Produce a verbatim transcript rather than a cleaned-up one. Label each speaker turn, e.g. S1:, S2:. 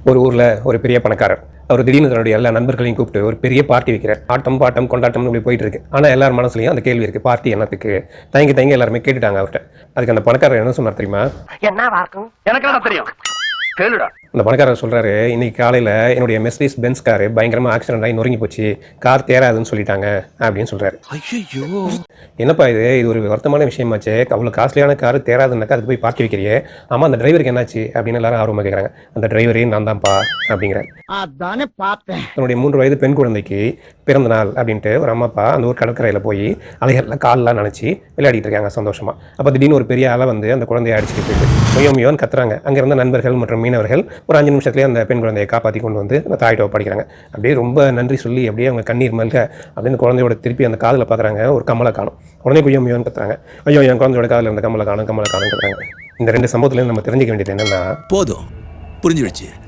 S1: ஒரு ஊரில் ஒரு பெரிய பணக்காரர் அவர் திடீர்னு தன்னுடைய எல்லா நண்பர்களையும் கூப்பிட்டு ஒரு பெரிய பார்ட்டி வைக்கிறார். ஆட்டம் பாட்டம் கொண்டாட்டம் இப்படி போயிட்டு இருக்கு. ஆனால் எல்லார் மனசுலையும் அந்த கேள்வி இருக்கு, பார்ட்டி என்னத்துக்கு? தயங்கி தயங்கி எல்லாருமே கேட்டுட்டாங்க அவர்கிட்ட. அதுக்கு அந்த பணக்காரர் என்ன சொன்னார் தெரியுமா?
S2: எனக்கு தெரியும், கேளுடா.
S1: அந்த பணக்காரர் சொல்றாரு, இன்னைக்கு காலையில் என்னுடைய மெர்சிடிஸ் பென்ஸ் கார் பயங்கரமாக ஆக்சிடென்ட் ஆகி நொறுங்கி போச்சு, கார் தேராதுன்னு சொல்லிட்டாங்க அப்படின்னு சொல்றாரு.
S3: ஐயோ,
S1: என்னப்பா இது இது ஒரு வருத்தமான விஷயமாச்சு, அவ்வளோ காஸ்ட்லியான கார் தேராதுன்னாக்கா அதுக்கு போய் பார்ட்டி வைக்கிறியே, ஆமாம் அந்த டிரைவருக்கு என்னாச்சு அப்படின்னு எல்லாரும் ஆர்வமாக கேட்குறாங்க. அந்த டிரைவரே நான் தான்ப்பா அப்படிங்கிறார்.
S4: அதானே பார்த்தேன்.
S1: தன்னுடைய மூன்று வயது பெண் குழந்தைக்கு பிறந்த நாள் அப்படின்ட்டு ஒரு அம்மா அப்பா அந்த ஒரு கடற்கரையில் போய் அலைகளில் காலெலாம் நினச்சி விளையாடிட்டு இருக்காங்க சந்தோஷமா. அப்போ திடீர்னு ஒரு பெரிய அலை வந்து அந்த குழந்தையை அடிச்சுட்டு போயிட்டு மொய்யோ மொய்யோன்னு கத்துறாங்க. அங்கே இருந்த நண்பர்கள் மற்றும் மீனவர்கள் ஒரு அஞ்சு நிமிஷத்துலேயே அந்த பெண் குழந்தையை காப்பாற்றி கொண்டு வந்து அந்த தாயிட்ட படிக்கிறாங்க. அப்படியே ரொம்ப நன்றி சொல்லி அப்படியே அவங்க கண்ணீர் மல்க அப்படின்னு குழந்தையோட திருப்பி அந்த காதில் பார்க்குறாங்க, ஒரு கம்மலை காணும். உடனே குய்யோ மொய்யோன்னு கத்துறாங்க. ஐயோ என் குழந்தையோட காதில் இருந்த கம்மலை காணும் கம்மலை காணும் கத்துறாங்க. இந்த ரெண்டு சம்பவத்துலேருந்து நம்ம தெரிஞ்சிக்க வேண்டியது என்னென்னா,
S3: போதும் புரிஞ்சிடுச்சு.